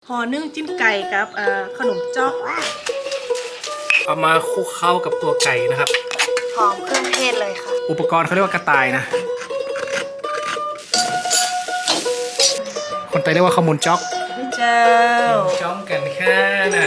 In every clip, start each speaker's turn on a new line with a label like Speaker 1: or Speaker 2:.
Speaker 1: ห่อนึ่งจิ้มไก่กับขนมจ๊อก
Speaker 2: เอามาคลุกเข้ากับตัวไก่นะครับ
Speaker 3: หอมเครื่องเทศเลยค่ะ
Speaker 2: อุปกรณ์เขาเรียกว่ากระต่ายนะคนไทยเรียกว่าข้าวมูลจ๊อก
Speaker 1: เจ้า
Speaker 2: จ้องกันแค่น่ะ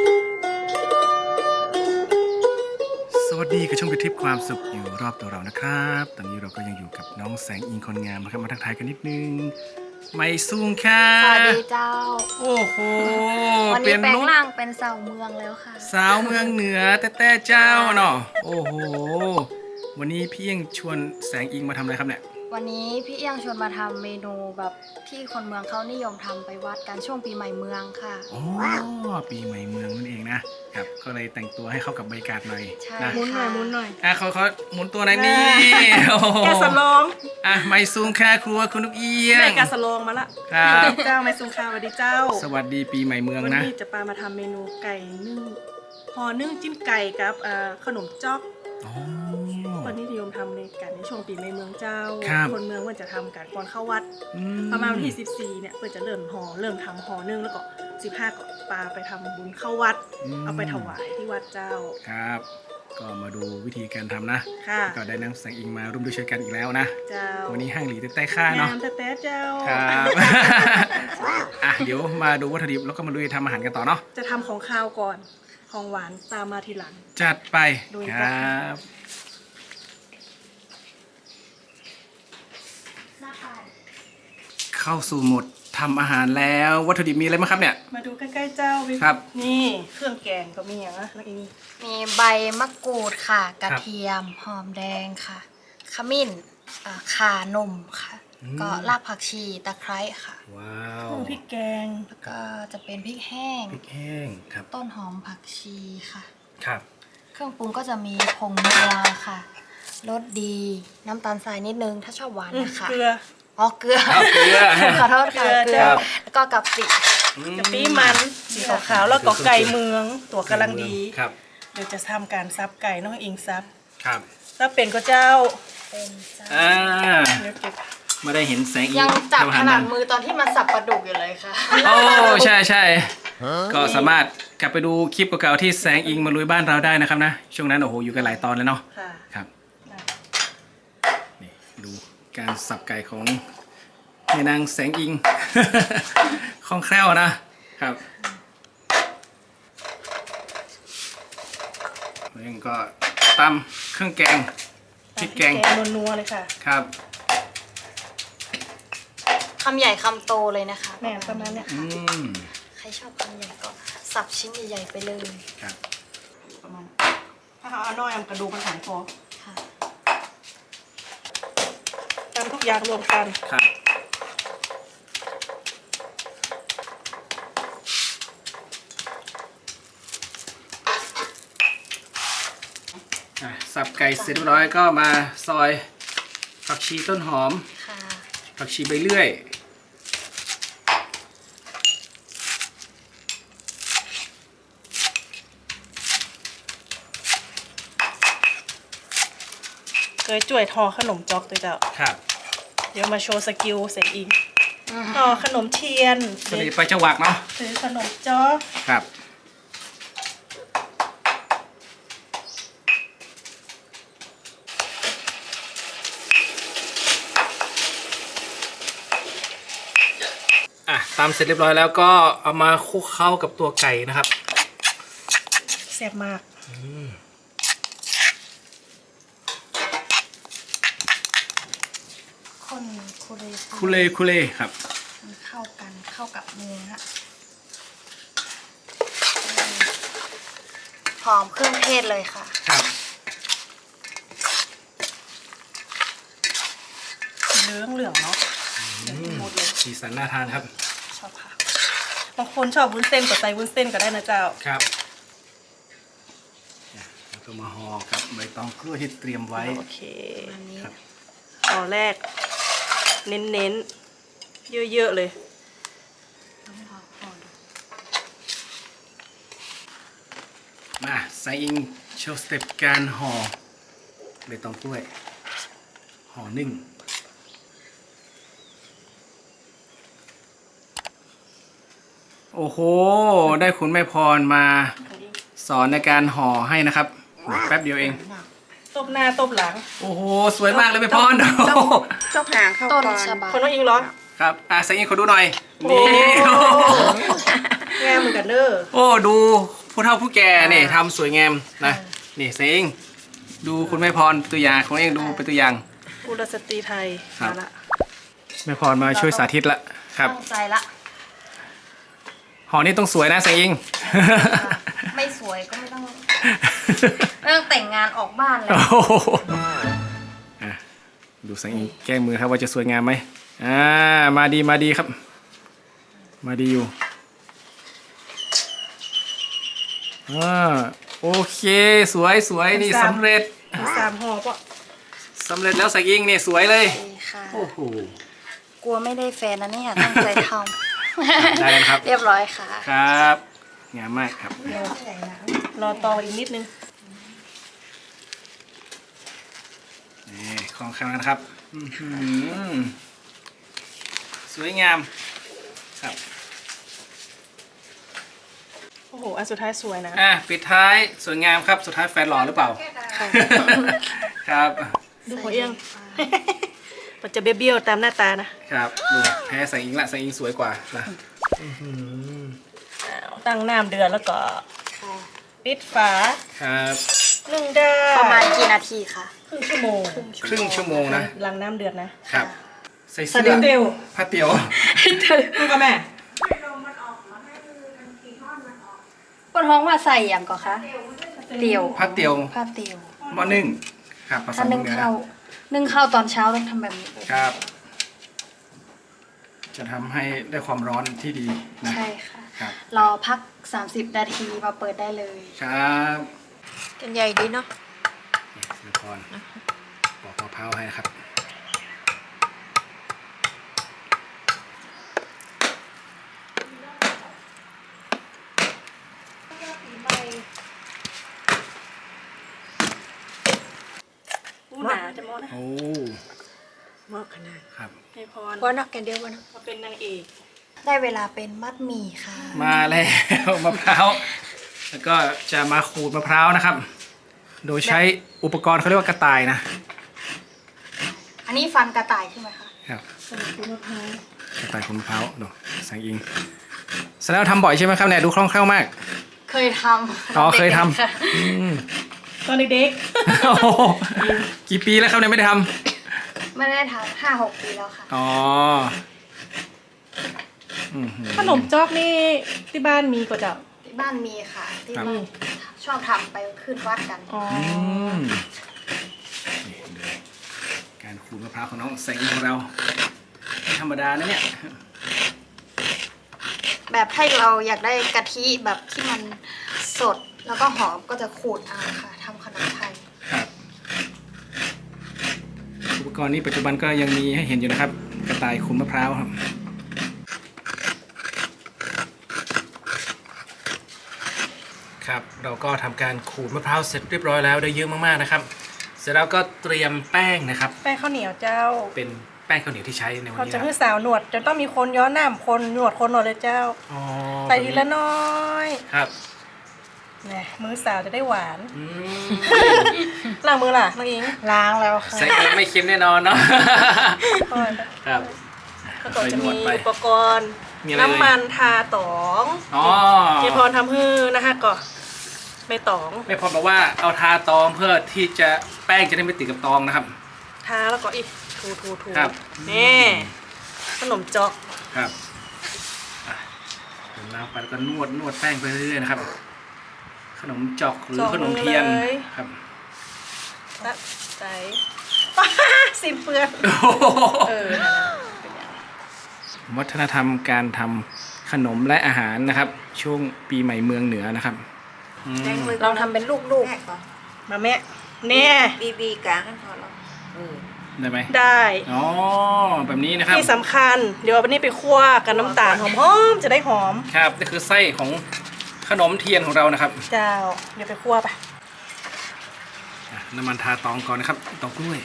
Speaker 2: สวัสดีกับช่องวิทิพย์ความสุขอยู่รอบตัวเรานะครับตอนนี้เราก็ยังอยู่กับน้องแสงอิงคนงามนะครับมาทักทายกันนิดนึงไม่ซุ่งค่ะ
Speaker 3: สวัสดีเจ้า
Speaker 2: โอ้โห
Speaker 3: วันนี้แปลงร่างเป็นสาวเมืองแล้วค่ะ
Speaker 2: สาวเมืองเหนือแต่เจ้าเนาะโอ้โหวันนี้พี่ยังชวนแสงอิงมาทำอะไรครับเนี่ย
Speaker 3: วันนี้พี่เอียงชวนมาทำเมนูแบบที่คนเมืองเขานิยมทำไปวัดกันช่วงปีใหม่เมืองค่ะ
Speaker 2: อ๋อปีใหม่เมืองนั่นเองนะครับก็เลยแต่งตัวให้เข้ากับบรรยากาศหน่อย
Speaker 3: นะ
Speaker 1: หมุนหน่อย
Speaker 2: เขาหมุนตัวไหนนี่
Speaker 1: แกสลอง
Speaker 2: ไม่ซุงค่าครัวคุณลูกเอียง
Speaker 1: แม่แกสลองมาละ
Speaker 2: ครับ
Speaker 1: เจ้าไม่ซุงค่าสวัสดีเจ้า
Speaker 2: สวัสดีปีใหม่เมืองนะ
Speaker 1: วันนี้จะปามาทำเมนูไก่นึ่งห่อนึ่งจิ้มไก่กับขนมจ๊อกวันนี้นิยมทำในการในช่วงปีใหม่เมืองเจ้าคนเมืองมันจะทำการก่อนเข้าวัดประมาณวันที่14เนี่ยเพื่อจะเริ่มทำห่อนึ่งแล้วก็15ก็ปาไปทำบุญเข้าวัดเอาไปถวายที่วัดเจ้า
Speaker 2: ครับก็มาดูวิธีการทำนะก็ได้นำแสงอิงมาร่วมด้วยช่วยกันอีกแล้วนะ
Speaker 1: เจ้า
Speaker 2: วันนี้ห้างหลีแต่แต่ค่าเนาะ
Speaker 1: แต่เจ้า
Speaker 2: ครับเดี๋ยวมาดูวัตถุดิบแล้วก็มาดูทำอาหารกันต่อเนาะ
Speaker 1: จะทำของข้าวก่อนของหวานตามมาทีหลัง
Speaker 2: จัดไปครับเข้าสู่โหมดทำอาหารแล้ววัตถุดิบมีอะไรบ้างครับเนี่ย
Speaker 1: มาดูใกล้ๆเจ้า
Speaker 2: ครับ
Speaker 1: นี่เครื่องแกงก็มีอย่างนะแล้วอี
Speaker 3: มีใบมะกรูดค่ะกระเทียมหอมแดงค่ะขมิ้นข่านมค่ะก็รากผักชีตะไคร้ค่ะ
Speaker 2: ว้าว
Speaker 1: พริกแกง
Speaker 3: แล้วก็จะเป็นพริกแห้ง
Speaker 2: ครับ
Speaker 3: ต้นหอมผักชีค่ะ
Speaker 2: ครับ
Speaker 3: เครื่องปรุงก็จะมีผงนัวค่ะรสดีน้ำตาลทรายนิดนึงถ้าชอบหวานนะคะ
Speaker 1: เกลือ
Speaker 3: เกลือขอโทษค่ะเกลือแล้วก็กะปิ
Speaker 1: มันสีขาวๆแล้วก็ไก่เมืองตัวกำลังดี
Speaker 2: ครับ
Speaker 1: เดี๋ยวจะทำการซับไก่น้องอิงซับ
Speaker 2: ครับ
Speaker 1: ซับเป็นก็เจ้า
Speaker 3: เป็นเจ้า
Speaker 2: ไม่ได้เห็นแสงอีก
Speaker 3: ยังจับขนาดมือตอนที่มันสับปลาดุกอยู่เลยค่ะ
Speaker 2: โอ้ใช่ก็สามารถกลับไปดูคลิปเก่าๆที่แสงอิงมาลุยบ้านเราได้นะครับนะช่วงนั้นโอ้โหอยู่กันหลายตอนเลยเนาะครับนี่ดูการสับไก่ของแม่นางแสงอิงคล่องแคล่วนะครับแล้วก็ตำเครื่องแกงพริกแกง
Speaker 1: นัวๆเลยค่ะ
Speaker 2: ครับ
Speaker 3: คำใหญ่คำโตเลยนะคะ
Speaker 1: แม่ประมาณนี้
Speaker 3: ใครชอบคำใหญ่ก็สับชิ้นใหญ่ๆไปเลย
Speaker 2: ครับ
Speaker 1: ประมาณถ้าเอาน้อยกระดูกมันหายคอค่ะตำทุกอย่างรวมกัน
Speaker 2: ครับสับไก่เสร็จเรียบร้อยก็มาซอยผักชีต้นหอมผักชีใบเลื่อย
Speaker 1: เคยจ่วยทอขนมจ๊อกตัวเจ้า
Speaker 2: ครับ
Speaker 1: เดี๋ยวมาโชว์สกิลเสร็จอีกทอขนมเทียน
Speaker 2: ตัวนี้ไปจังหวักเนาะ
Speaker 1: ถือขนมจ๊อก
Speaker 2: ครับตำเสร็จเรียบร้อยแล้วก็เอามาคลุกเข้ากับตัวไก่นะครับ
Speaker 1: แซ่บมาก
Speaker 3: คน
Speaker 2: คุเลครับ
Speaker 3: เข้ากันเข้ากับเนื้อหอมเครื่องเทศเลยค่ะ
Speaker 2: ครับ
Speaker 1: เหลืองเนาะ
Speaker 2: สีสันน่าทานครับ
Speaker 1: ชอบค่ะบางคนชอบวุ้นเส้นก็ใส่วุ้นเส้นก็ได้นะเจ้า
Speaker 2: ครับแล้วก็มาห่อกับใบตองกล้วยที่เตรียมไว้
Speaker 1: โอเคครับห่อแรกเน้นเยอะๆเลย
Speaker 2: มาใส่อิงโชว์สเต็ปการห่อใบตองกล้วยห่อนึ่งโอ้โห ได้คุณแม่พรมาสอนในการห่อให้นะครับแป๊บเดียวเอง
Speaker 1: ตบหน้าตบหลัง
Speaker 2: โอ้โห สวยมากเลยแม่พร
Speaker 4: ชอบหางเข้า
Speaker 3: ต้น
Speaker 4: ก่อน
Speaker 3: ฉบับ
Speaker 1: คนน้องอิงเหรอ
Speaker 2: ครับแสงอิงขอดูหน่อย
Speaker 1: โอ้
Speaker 2: นี่
Speaker 1: งามเหมือนกันเด้อ
Speaker 2: โอ้ดูผู้เฒ่าผู้แก่เนี่ยทำสวยงามนะนี่แสงอิงดูคุณแม่พรตัวอย่างของเองดูเป็นตัวอย่าง
Speaker 1: กุลสตรีไทย
Speaker 2: ครับ
Speaker 1: มาละ
Speaker 2: แม่พรมาช่วยสาธิตละครับ
Speaker 3: ตั้งใจละ
Speaker 2: ห่อนี่ต้องสวยนะแสงอิง
Speaker 3: ไม่สวยก็ไม่ต้องแต่งงานออกบ้านเลย
Speaker 2: โอ้โหอ่ะดูแสงอิงแก้มือครับว่าจะสวยงามไหมมาดีครับ มาดีอยู่โอเคสวยนี่สำเร็จ
Speaker 1: มี3ห่อปะ
Speaker 2: สำเร็จแล้วแสงอิงเนี่ยสวยเลย
Speaker 3: ดีค่ะ
Speaker 2: โอ้โห
Speaker 3: กลัวไม่ได้แฟนนะเนี่ยตั้งใจท
Speaker 2: ได้แล้วครับ
Speaker 3: ำ เรียบร้อยค่ะ
Speaker 2: ครับงามมากครับ
Speaker 1: รอต่ออีกนิดนึง
Speaker 2: นี่ของข้างนะครับอื้อหือสวยงามครับ
Speaker 1: โอ้โห อันสุดท้ายสวยนะ
Speaker 2: ปิดท้ายสวยงามครับสุดท้ายแฟนหล่อหรือเปล่า ครับ
Speaker 1: ดูหัวเอียง มันจะเบี้ยวๆตามหน้าตานะครับ
Speaker 2: ดูแพ้แสงอิงละแสงอิงสวยกว่านะ
Speaker 1: ตั้งน้ำเดือดแล้วก็ปิดฝา
Speaker 2: ครับ
Speaker 1: นึ่งได้
Speaker 3: ประมาณกี่นาทีคะ
Speaker 1: ครึ่งชั่วโมง
Speaker 2: ครึ่งชั่วโมงนะ
Speaker 1: หลังน้ำเดือดนะครับ
Speaker 2: ใส่
Speaker 1: สะ
Speaker 2: เสื้
Speaker 1: เดียว
Speaker 2: อ
Speaker 1: เดียว
Speaker 2: ผ้าเตี๋ยว
Speaker 1: ดูกับแม่
Speaker 3: ปวดท้องว่าใส่อย่างก่อนคะเตียว
Speaker 2: ผ้าเตี๋ยว
Speaker 3: ผ้าเตียว
Speaker 2: หม้อนึ่งครับผส
Speaker 3: ถ้าม นึ่ง
Speaker 2: เนื้อ
Speaker 3: ข้าวนึ่งข้าวตอนเช้าต้องทำแบบนี้
Speaker 2: ครับ จะทำให้ได้ความร้อนที่ดีนะ
Speaker 3: ใช่ค่ะ
Speaker 2: ครับ
Speaker 3: รอพัก 30 นาทีมาเปิดได้เลย
Speaker 2: ครับ
Speaker 4: กันใหญ่ดีเนาะ
Speaker 2: นี่แม่พรปอกมะพร้าวให้นะครับ
Speaker 1: ผู้หนาจะมองนะ
Speaker 2: โอ้
Speaker 4: เหมาะขนาด
Speaker 2: ครับ
Speaker 1: ให้พร
Speaker 4: ว่านักกันเดียววัน
Speaker 1: มาเป็นนางเอก
Speaker 3: ได้เวลาเป็นมัดหมี่ค่ะ
Speaker 2: มาแล้ว มะพร้าวแล้วก็จะมาขูดมะพร้าวนะครับ โดยใช้อุปกรณ์เขาเรียกว่ากระต่ายนะ
Speaker 3: อันนี้ฟันกระต่ายใช่ไหมคะ
Speaker 2: ครับ
Speaker 1: สมุนไพรมะพร้าว
Speaker 2: กระต่ายขูดมะพร้าวดูแสงอิงแสดงว่าทำบ่อยใช่ไหมครับเนี่ยดูคล่องแคล่วมาก
Speaker 3: เคยทำ
Speaker 2: อ๋อเคยท
Speaker 3: ด็กๆค่ะ
Speaker 2: ำอืม
Speaker 1: ตอนเด็ก
Speaker 2: โอ้โหกี่ปีแล้วครับเนี่ยไม่ได้ท
Speaker 3: ไม่ได้ทำ5-6 ปีแล้วค่ะ
Speaker 2: ำอ๋ออื้อหือ
Speaker 1: ๆขนมจอกนี่ที่บ้านมีก็จะ
Speaker 3: ที่บ้านมีค่ะ ที่
Speaker 2: ครับ
Speaker 3: บ้านชอบทำไปขึ้นวัดกัน
Speaker 1: อ๋อ
Speaker 2: นี่ดูการขูดมะพร้าวของน้องแสงอิงของเราไม่ธรรมดานะเนี่ย
Speaker 3: แบบถ้าเราอยากได้กะทิแบบที่มันสดแล้วก็หอมก็จะขูดเอาค่ะทำขนมไทย
Speaker 2: ครับอุปกรณ์นี้ปัจจุบันก็ยังมีให้เห็นอยู่นะครับ กระต่ายขูดมะพร้าวครับครับ เราก็ทำการขูดมะพร้าวเสร็จเรียบร้อยแล้วได้เยอะมากๆนะครับ เสร็จแล้วก็เตรียมแป้งนะครับ
Speaker 1: แป้งข้าวเหนียวเจ้า
Speaker 2: เป็นแป้งข้าวเหนียวที่ใช้ในวัน
Speaker 1: เขา
Speaker 2: นี้
Speaker 1: จะ
Speaker 2: นะค
Speaker 1: ให้
Speaker 2: รับ
Speaker 1: สาวหนวดจะต้องมีคนย้อนน้ำคนหนวดคนหนวดเลยเจ้า
Speaker 2: อ๋อ
Speaker 1: ใส่ทีละน้อย
Speaker 2: ครับ
Speaker 1: นี่มือสาวจะได้หวาน
Speaker 2: อืม
Speaker 1: ล้างมือล่ะน้องอิง
Speaker 3: ล้างแล้วค่ะ
Speaker 2: ใส่เองไม่เค็มแน่นอนเนาะ
Speaker 1: ค่อย
Speaker 2: ครับ
Speaker 1: แล้วก็จะ
Speaker 2: นว
Speaker 1: มี
Speaker 2: ดไป
Speaker 1: อุปกรณ์
Speaker 2: มีอะไร
Speaker 1: น้ำมันทาตอง
Speaker 2: อ๋อ
Speaker 1: เจพรทำฮื้อนะคะก็ไม่ตอง
Speaker 2: แม่พรบอกว่าเอาทาตองเพื่อที่จะแป้งจะได้ไม่ติดกับตองนะครับ
Speaker 1: ทาแล้วก็อีกถู
Speaker 2: ครับ
Speaker 1: นี่ขนมจอก
Speaker 2: ครับอ่ะเติมน้ำไปแล้วก็นวดแป้งไปเรื่อยๆนะครับ ขนมจอกหรือขนมเทียนครับ
Speaker 1: ตัดใจป้าสินเปื้อน
Speaker 2: โอ้โห
Speaker 1: เออ
Speaker 2: วัฒนธรรมการทำขนมและอาหารนะครับ ช่วงปีใหม่เมืองเหนือนะครับอืม
Speaker 4: แดงมือ
Speaker 3: เราทำเป็นลูก
Speaker 4: แม่ก่อน
Speaker 1: มาแม่เนี่ย
Speaker 4: บีกลางกันพอแล้ว
Speaker 2: ได้ไหม
Speaker 1: ได้
Speaker 2: อ๋อแบบนี้นะครับ
Speaker 1: ที่สำคัญ เดี๋ยววันนี้ไปคั่วกับน้ำตาลหอมๆจะได้หอม
Speaker 2: ครับนี่คือไส้ของขนมเทียนของเรานะครับ
Speaker 1: เจ้า เดี๋ยวไปคั่วไป
Speaker 2: อ่ะน้ำมันทาตองก่อนนะครับตองกล้วย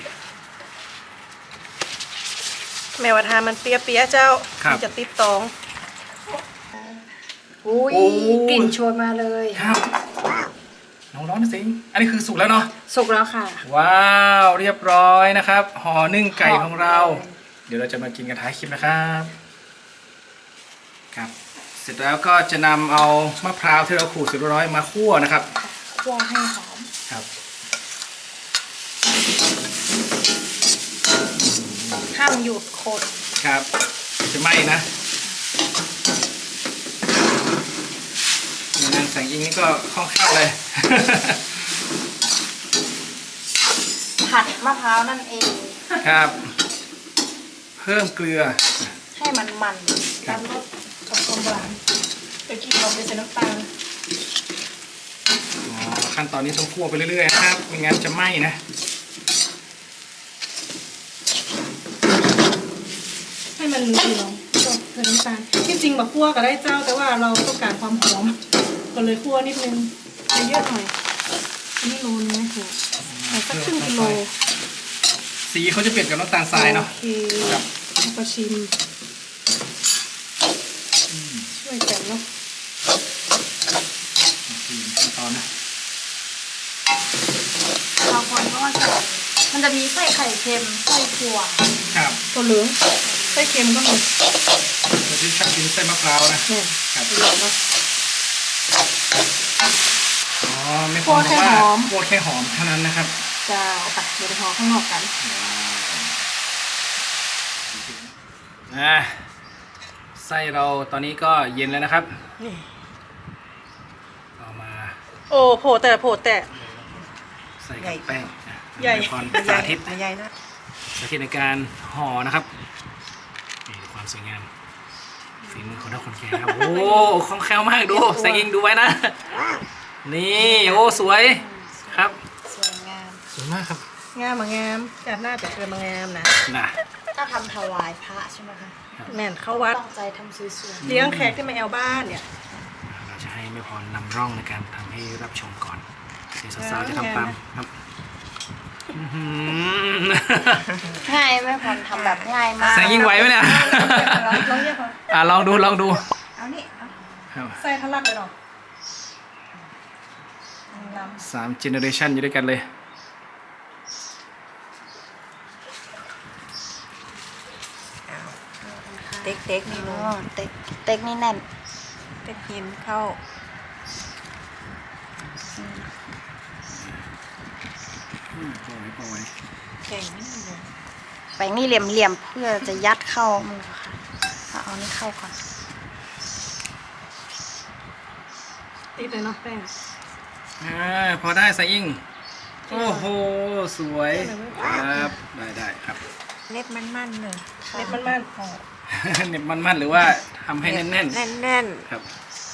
Speaker 1: แม่ว่าทานมันเปียๆเจ้า
Speaker 2: ครับ
Speaker 1: มันจะติดตอง
Speaker 3: อุ้ยกลิ่นชวนมาเลย
Speaker 2: ครับน้องร้อนนะสิงอันนี้คือสุกแล้วเนาะ
Speaker 3: สุกแล้วค่ะ
Speaker 2: ว้าวเรียบร้อยนะครับห่อนึ่งไก่ของเรา
Speaker 3: หอมเลย
Speaker 2: เดี๋ยวเราจะมากินกันท้ายคลิปนะครับครับเสร็จแล้วก็จะนำเอามะพร้าวที่เราขูดเสร็จเรียบร้อยมาคั่วนะครับ
Speaker 3: คั่วให้หอม
Speaker 2: ครับ
Speaker 3: ห้ามหยุดคน
Speaker 2: ครับจะไหม้นะนางแสงอิงนี่ก็คล่องแคล่วเลย
Speaker 3: ผัดมะพร้าวนั่นเอง
Speaker 2: ครับ เพิ่มเกลือ
Speaker 3: ให้มันมัน
Speaker 2: ครับ
Speaker 3: น้ำรสกับความหวาน
Speaker 1: เดี๋ยวกินเราไปใส่น้ำตาล
Speaker 2: อ๋อขั้นตอนนี้ต้องคั่วไปเรื่อยๆนะครับไม่งั้นจะไหม้นะ
Speaker 1: ให้มันเหลืองก็ใส่น้ำตาลที่จริงแบบคั่วก็ได้เจ้า แต่ว่าเราต้องการความหอมก็เลยคั่วนิดนึงใส่เยอะหน่อยอันนี้โลนึงไหมถูกใส่สักครึ่งกิโล
Speaker 2: สีเขาจะเปลี่ยนกับน้ำตาลทรายเนาะ
Speaker 1: โอเค
Speaker 2: ครับ
Speaker 1: แล้วก็ชิมช่วยกันเนาะ
Speaker 2: ขั้นตอนนะ
Speaker 3: บางคนก็ว่าจะมันจะมีไส้ไข่เค็มไส้ถั่ว
Speaker 2: ครับ
Speaker 1: ตัวเหลืองไส้เค็มก็มี
Speaker 2: เราที่ชอบกินไส้มะพร้าวนะ
Speaker 1: เนี่ย
Speaker 2: ครับ
Speaker 1: เหลืองเนาะ
Speaker 2: อ๋อไม่
Speaker 1: คั่วแค่หอม
Speaker 2: คั่วแค่หอมเท่านั้นนะครับ
Speaker 1: เจ้าไปเดี๋ยวไปห่อข้างนอกกัน
Speaker 2: ไส้เราตอนนี้ก็เย็นแล้วนะครับ
Speaker 1: นี่
Speaker 2: เอามา
Speaker 1: โอ้โผล่แต่
Speaker 2: ใส่กับแป้ง
Speaker 1: ใหญ่
Speaker 2: พร
Speaker 4: ใหญ่
Speaker 2: สาธิต
Speaker 4: ใหญ่นะ
Speaker 2: สาธิตในการห่อนะครับนี่ดูความสวยงามฝีมือของท่านคนแก่ครับโอ้คล่องแคล่วมากดูแสงอิงดูไว้นะ นี่โอ้สวยครับ
Speaker 3: สวยงาม
Speaker 2: สวยมากครับ
Speaker 1: งามมางามจัดหน้าจะเกินมางามนะ
Speaker 2: น่ะ
Speaker 3: ถ้าทำถวายพระใช่ไหมคะ
Speaker 1: แม่นเข้าวัด
Speaker 3: ตั้งใจทำสวย
Speaker 1: เลี้ยงแขกที่มาแอวบ้านเนี่ย
Speaker 2: เราจะให้แม่พรนำร่องในการทำให้รับชมก่อนเดี๋ยวสาวๆจะทำตามครับอื้อหือ
Speaker 3: ๆง่ายไหมพรทำแบบง่ายมาก
Speaker 2: แสงยิงไหวไหมเนี่ย
Speaker 1: ลองเรียกเขา
Speaker 2: ลองดูลองดู
Speaker 4: เอานี่เอา
Speaker 2: ครับ
Speaker 1: ใส่ทะลักเลยเนาะน้
Speaker 2: 3 เจเนอเรชันอยู่ด้วยกันเลย
Speaker 4: เต็กเต็กนี่
Speaker 3: อ๋
Speaker 4: ลู
Speaker 3: อก เต็กเต็กนี่แน่น
Speaker 4: เต็กหินเข้า
Speaker 2: พอไว้
Speaker 4: แข่งนี่เลย
Speaker 3: แป้งนี่เหลี่ยมๆเพื่อจะยัดเข้ามือค่ะเอานี่เข้าก่อน
Speaker 1: ำติดเลยเนาะแป้ง
Speaker 2: พอได้แสงยิงโอ้โหสวยครับได้ครับ
Speaker 4: เล็บมันๆเลย
Speaker 1: เม็ดมันๆ
Speaker 2: เน็บมันๆหรือว่าทำให้แน่น
Speaker 4: แน่น
Speaker 2: ๆครับ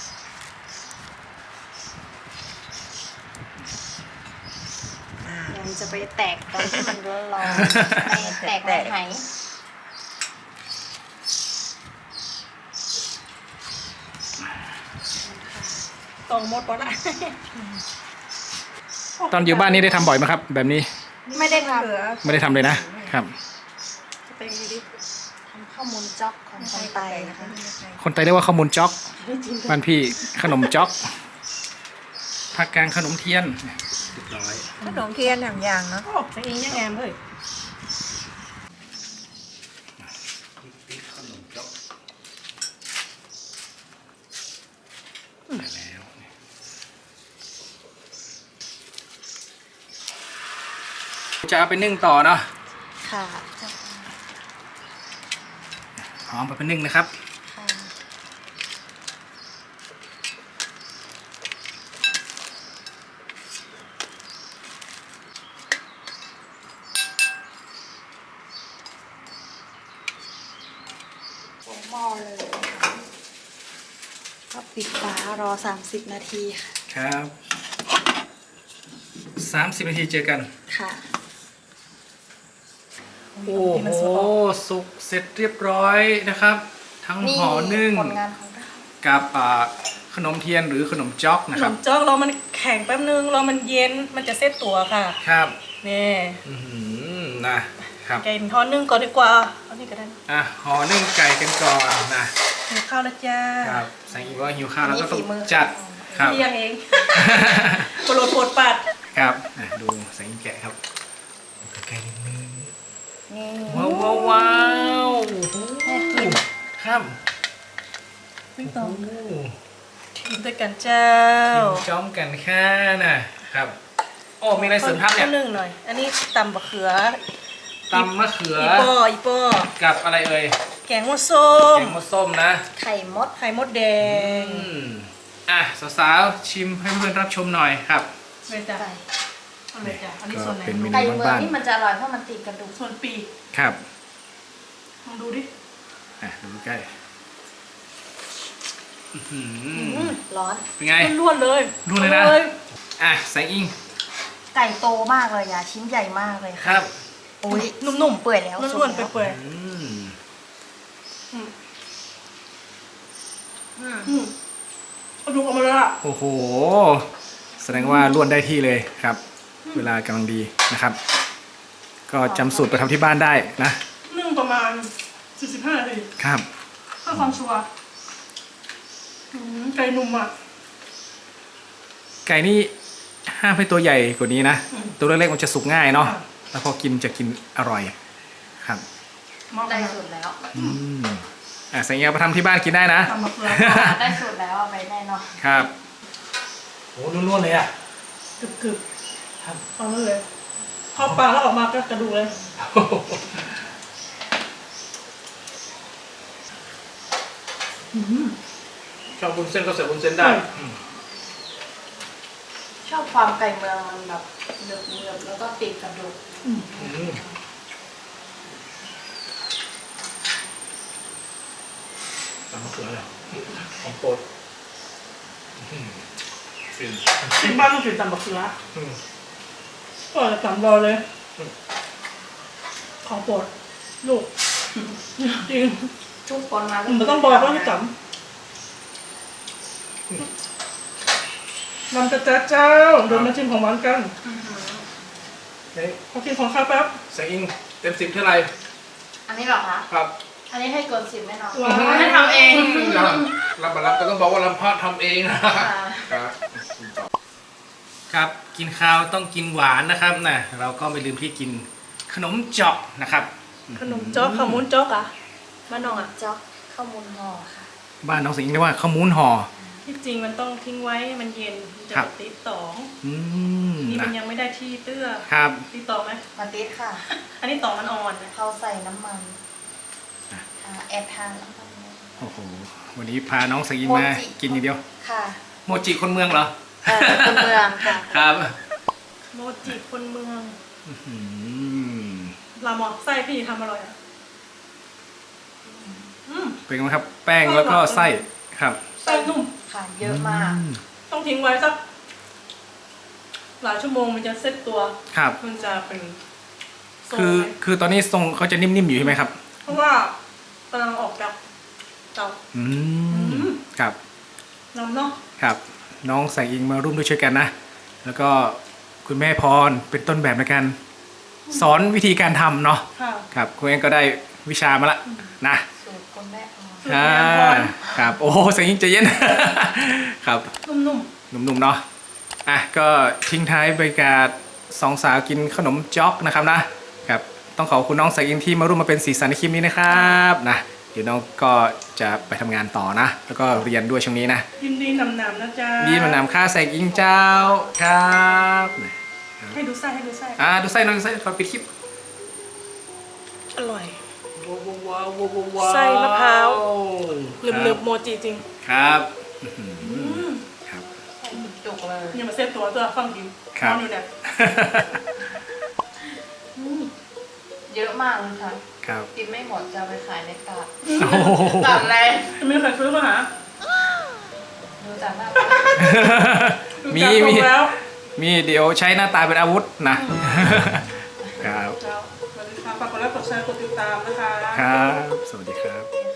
Speaker 4: ๆอ่า
Speaker 3: เดี๋ยวมันจะไปแตกตอนที่มันร้อนๆไม่แตกในไห
Speaker 1: ตรงหมดปะละ
Speaker 2: ตอนอยู่บ้านนี้ได้ทำบ่อยไหมครับ แบบนี้
Speaker 3: ไม่ได้ท
Speaker 4: เหลือ
Speaker 2: ไม่ได้ทำเลยนะ ครับ
Speaker 1: ไปดูดิ
Speaker 3: ำทำข้าวมูลจ๊อกของคนไตนะคะ
Speaker 2: คนไทยเรียกว่าข้าวมูลจ๊อกบ้านพี่ขนมจ๊อกภาคกลางขนมเทียนเรียบร้อย
Speaker 4: ขนมเทียนอย่างเนาะ
Speaker 1: โอ้ใส่อิงยังงามเลย
Speaker 2: ได้แล้วจะเอาไปนึ่งต่อเนาะ
Speaker 3: ค่ะ
Speaker 2: หอมไปนึ่งนะครับ
Speaker 3: ค่ะหม้อเลยก็ปิดฝารอ30 นาทีค่ะ
Speaker 2: ครับ30 นาทีเจอกัน
Speaker 3: ค่ะ
Speaker 2: โอ้โหสุกเสร็จเรียบร้อยนะครับ ทั้งห่อนึ่ง
Speaker 3: ผลงานของเรา
Speaker 2: กับขนมเทียนหรือขนมจ๊อก
Speaker 1: ข
Speaker 2: นะ
Speaker 1: น
Speaker 2: ครับ
Speaker 1: มจ๊อกเรามันแข็งแป๊บนึงเรามันเย็นมันจะเซ็ตตัวค่ะ
Speaker 2: ครับ
Speaker 1: นี่
Speaker 2: อื้อหือนะครับ
Speaker 1: ไก่ทอดนึ่งก่อนดีกว่าเอานี่ก็ได้นะ
Speaker 2: ห่อนึ่งไก่กันก่อนนะ
Speaker 1: นหิวข้าวแล้วจ้า
Speaker 2: ครับแสงอิงว่าหิวข้าวแล้วก็ต้อง
Speaker 3: นี่ฝีมือ
Speaker 2: จัดครับ
Speaker 1: เที่ยงเองโปรดโปรดปัด
Speaker 2: ครับดูแสงอิงแกะครับใกล้ๆนิดนึง
Speaker 3: นี่
Speaker 2: ว้าวว้าวว้าว
Speaker 3: แม่กิน
Speaker 2: ครับ
Speaker 1: วิ่งตรง
Speaker 2: โอ้
Speaker 1: กินด้วยกันเจ้า
Speaker 2: กินจ้อมกันค่ะนะครับโอ้มีอะไรเสริมทัพเนี่ย
Speaker 1: ข้าวนึ่งหน่อย อันนี้ตำบะเขือ
Speaker 2: ตำมะเขือ
Speaker 1: อีปอ
Speaker 2: กับอะไรเอ่ย
Speaker 1: แกงมะส้ม
Speaker 2: แกงมดส้มนะ
Speaker 3: ไข่มด
Speaker 1: ไข่มดแดง
Speaker 2: อ่ะสาวๆชิมให้เพื่อนๆรับชมหน่อยครับ
Speaker 1: เลยจ้ะ
Speaker 3: ไก่
Speaker 1: เอาเลยจ้ะอันนี้ส่วนไหน
Speaker 2: เป็นเมนู
Speaker 3: ไก่เมือง
Speaker 2: บ้าน
Speaker 3: นี่มันจะอร่อยเพราะมันติดกระดูก
Speaker 1: ส่วนปีก
Speaker 2: ๆครับ
Speaker 1: ลองดูดิ
Speaker 2: ดูใกล้อื้อหือ
Speaker 3: ร้อน
Speaker 2: เป็นไง
Speaker 1: ล้วนๆเลย
Speaker 2: ล้วนเลยนะ
Speaker 1: อา
Speaker 2: อ่ะแสงอิง
Speaker 3: ไก่โตมากเลยอ่ะชิ้นใหญ่มากเลย
Speaker 2: ค
Speaker 3: ค่ะ
Speaker 2: รับ
Speaker 3: โอ้ย
Speaker 1: นุ่มๆ
Speaker 3: เปื่อยแล้ว
Speaker 1: ล้วนๆ
Speaker 3: สุก
Speaker 1: เปื่อย
Speaker 2: อืม
Speaker 1: ๆอืม
Speaker 3: อืม
Speaker 1: อืมเอาดูออกมาเลยอ่ะ
Speaker 2: โอ้โห แสดงว่าล้วนได้ที่เลยครับ เวลากำลังดีนะครับ ก็จำสูตรไปทำที่บ้านได้นะ
Speaker 1: นึ่งประมาณ 45 นาที
Speaker 2: ครับ
Speaker 1: เพื่อความชัวร์ไก่นุ่มอ่ะ
Speaker 2: ไก่นี่ห้ามให้ตัวใหญ่กว่านี้นะ
Speaker 1: อืม
Speaker 2: ตัวเล็กๆมันจะสุกง่ายเนาะ
Speaker 1: ค่ะ
Speaker 2: แล้วพอกินจะกินอร่อยครับ
Speaker 1: เหมาะ
Speaker 3: ได้
Speaker 1: กับ
Speaker 3: สูตรแล้ว
Speaker 2: อืมแสงอิงเอาไปทำที่บ้านกินได้นะ
Speaker 1: ตำมะเขือ
Speaker 3: ได้สูตรแล้วเอาไปแน่นอน
Speaker 2: ครับโอ้ล้วนๆเลยอ่ะ
Speaker 1: กรึบๆเอานั่นเลยเข้าปากแล้วออกมาก็กระดูกเลย
Speaker 2: ชอบบุญเส้นก็เสิร์ฟบุญเส้นได้
Speaker 3: ชอบความไก่เมืองมันแบบเนือบๆแล้วก็ติดกระดูก
Speaker 2: ตำมะเขือเลยของโปรดฟิน
Speaker 1: ที่บ้านต้องกินตำบักเขือก็จะตำรอเลย ของโปรดลูก จริง
Speaker 3: ทุกคนมา
Speaker 1: มันต้องบอกว่าให้จำนำกระจ้าเจ้าเดินมาชิมของหวานกัน
Speaker 2: เฮ้ย
Speaker 1: พอกินของข้าวแป๊บ
Speaker 2: แสงอิงเต็ม10เท่าไหร่
Speaker 3: อันนี้เหรอคะ
Speaker 2: ครับ
Speaker 3: อันนี้ให้เกิน10แน่นอน
Speaker 1: ว้าว
Speaker 3: ให้ทำเอง
Speaker 2: รับมารับก็ต้องบอกว่าลำพะทำเองนะครับครับกินข้าวต้องกินหวานนะครับนะเราก็ไม่ลืมที่กินขนมเจาะนะครับ
Speaker 1: ขนมจ๊อกข้าวมุ้นจ๊อกอ่ะบ้านน้องอ่ะ
Speaker 3: จ๊อกข้าวมูลห่อค่ะ
Speaker 2: บ้านน้องสิงห์เรียกว่าข้าวมูนห่อ
Speaker 1: ที่จริงมันต้องทิ้งไว้ให้มันเย็นมันจะ
Speaker 2: ครับ
Speaker 1: ติดตอง
Speaker 2: อืม
Speaker 1: นี่มัน
Speaker 2: นะ
Speaker 1: ยังไม่ได้ที่เตื้อ
Speaker 2: ครับ
Speaker 1: ติดตองไหม
Speaker 3: มาติดค่ะ
Speaker 1: อันนี้ตองมันอ่อนนะ
Speaker 3: เขาใส่น้ำมันแอบทานน้ำมัน
Speaker 2: โอ้โหวันนี้พาน้องสิงห์มา
Speaker 3: โมจิ
Speaker 2: กินอย่างเดียว
Speaker 3: ค่ะ
Speaker 2: โมจิคนเมืองเหรอ
Speaker 3: คนเมืองค่ะ
Speaker 2: ครับ
Speaker 1: โมจิคนเมือง
Speaker 2: อืม
Speaker 1: ลามอกไส้พี่ทำอร่อยอ่ะอืม
Speaker 2: เป็นไงครับแป้งแล้วก็ไส้ครับ
Speaker 1: ไส้นุ่ม
Speaker 3: ค่ะเยอะมาก
Speaker 1: ต้องทิ้งไว้สักหลายชั่วโมงมันจะเซ็ตตัว
Speaker 2: ครับ
Speaker 1: มันจะเป็นทรง
Speaker 2: คือ
Speaker 1: ไหม
Speaker 2: คือตอนนี้ทรงเขาจะนิ่มๆอยู่ใช่ไหมครับ
Speaker 1: เพราะว่ากำลังออกจากเตา
Speaker 2: อืมครับ
Speaker 1: น้ำเนาะ
Speaker 2: ครับน้องแสงอิงมาร่วมด้วยช่วยกันนะ แล้วก็คุณแม่พรเป็นต้นแบบในการสอนวิธีการทำเนาะ
Speaker 1: ค่ะ
Speaker 2: ครับคุณเองก็ได้วิชามาละนะ
Speaker 3: สูตรคนแม่พอ
Speaker 1: สูตร
Speaker 2: อ่า
Speaker 1: แม่พร
Speaker 2: ครับโอ้โหแสงอิงใจเย็น ครับ
Speaker 1: นุ่ม
Speaker 2: หนุ่มๆเนาะอ่ะก็ทิ้งท้ายบรรยากาศสองสาวกินขนมจ๊อกนะครับนะครับต้องขอบคุณน้องแสงอิงที่มาร่วมมาเป็นสีสันในคลิปนี้นะครับนะเดี๋ยวน้องก็จะไปทำงานต่อนะ แล้วก็เรียนด้วยช่วงนี้นะ
Speaker 1: ๆยินดีนำๆนะจ๊ะ
Speaker 2: นี่มันนำค่าแสงอิงเจ้าครับ
Speaker 1: ให้ดูไส้ให้ดูไส้
Speaker 2: ดูไส้หน่อยดูไส้ก่อนปิดคลิป
Speaker 1: อร่อย
Speaker 2: ว้าวว้าวว้าวว้าว
Speaker 1: ไส้มะพร้าว
Speaker 2: ครั
Speaker 1: หนึบๆโมจิจริง
Speaker 2: ครับอื้อหือครับ
Speaker 3: ใส่จุกเลย
Speaker 1: อย่ามาเซ็ตตัวตัวฟังกิน
Speaker 2: ครับ
Speaker 1: นอนอยู่เนี่ย
Speaker 3: เยอะมากเลยค่ะ
Speaker 2: ครับ
Speaker 3: กินไม่หมดจะเอาไปขายในตลาด
Speaker 2: โอ้โห
Speaker 3: ตลาดแรง
Speaker 1: จะมีใครซื้อมาหา
Speaker 3: ดูจากหน้า
Speaker 1: ดู
Speaker 2: มี
Speaker 1: จากทรงแล้ว
Speaker 2: มีเดี๋ยวใช้หน้าตาเป็นอาวุธนะ ครับ
Speaker 1: เจ้าสวัสดีค่ะฝากกดไลค์กดแชร์กดติดตามนะคะ
Speaker 2: ครับ สวัสดีครับ
Speaker 3: ตา